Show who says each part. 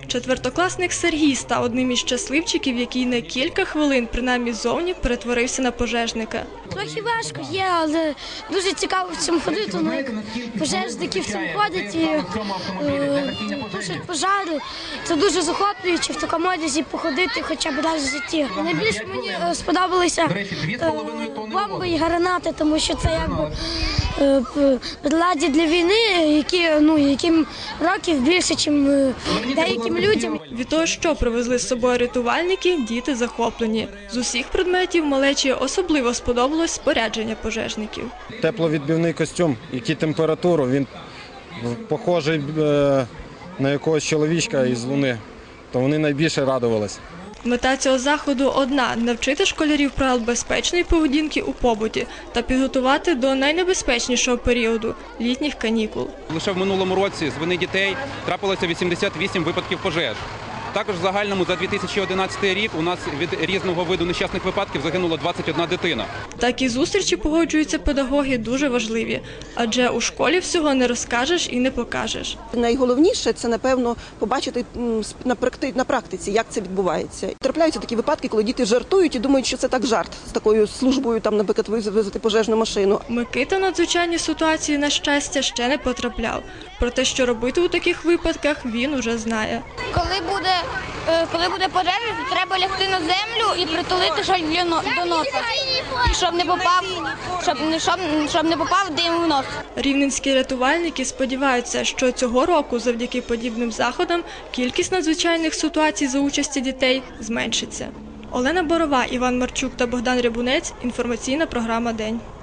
Speaker 1: Четвертокласник Сергій став одним із щасливчиків, який на кілька хвилин, принаймні ззовні, перетворився на пожежника.
Speaker 2: Трохи важко є, але дуже цікаво в цьому ходити. Ну, як пожежники в цьому ходять і тушать пожари. Це дуже захоплююче в такому одязі походити хоча б раз в житті. Найбільше мені сподобалися бомби і гранати, тому що це якби приладдя для війни, яким років більше, ніж деяким людям.
Speaker 1: Від того, що привезли з собою рятувальники, діти захоплені. З усіх предметів малечі особливо сподобалось спорядження пожежників.
Speaker 3: Тепловідбивний костюм, який температуру, він похожий на якогось чоловічка із Луни, то вони найбільше радувалися.
Speaker 1: Мета цього заходу одна – навчити школярів правил безпечної поведінки у побуті та підготувати до найнебезпечнішого періоду – літніх канікул.
Speaker 4: Лише в минулому році з вини дітей трапилося 88 випадків пожеж. Також в загальному за 2011 рік у нас від різного виду нещасних випадків загинуло 21 дитина.
Speaker 1: Такі зустрічі, погоджуються педагоги, дуже важливі, адже у школі всього не розкажеш і не покажеш.
Speaker 5: Найголовніше – це, напевно, побачити на практиці, як це відбувається. Трапляються такі випадки, коли діти жартують і думають, що це так жарт з такою службою, наприклад, визвати пожежну машину.
Speaker 1: Микита в надзвичайні ситуації, на щастя, ще не потрапляв. Про те, що робити у таких випадках, він уже знає.
Speaker 6: Коли буде пожежа, то треба лягти на землю і притулити шаль до носа, щоб не попав дим в нос.
Speaker 1: Рівненські рятувальники сподіваються, що цього року завдяки подібним заходам кількість надзвичайних ситуацій за участі дітей зменшиться. Олена Борова, Іван Марчук та Богдан Рябунець. Інформаційна програма «День».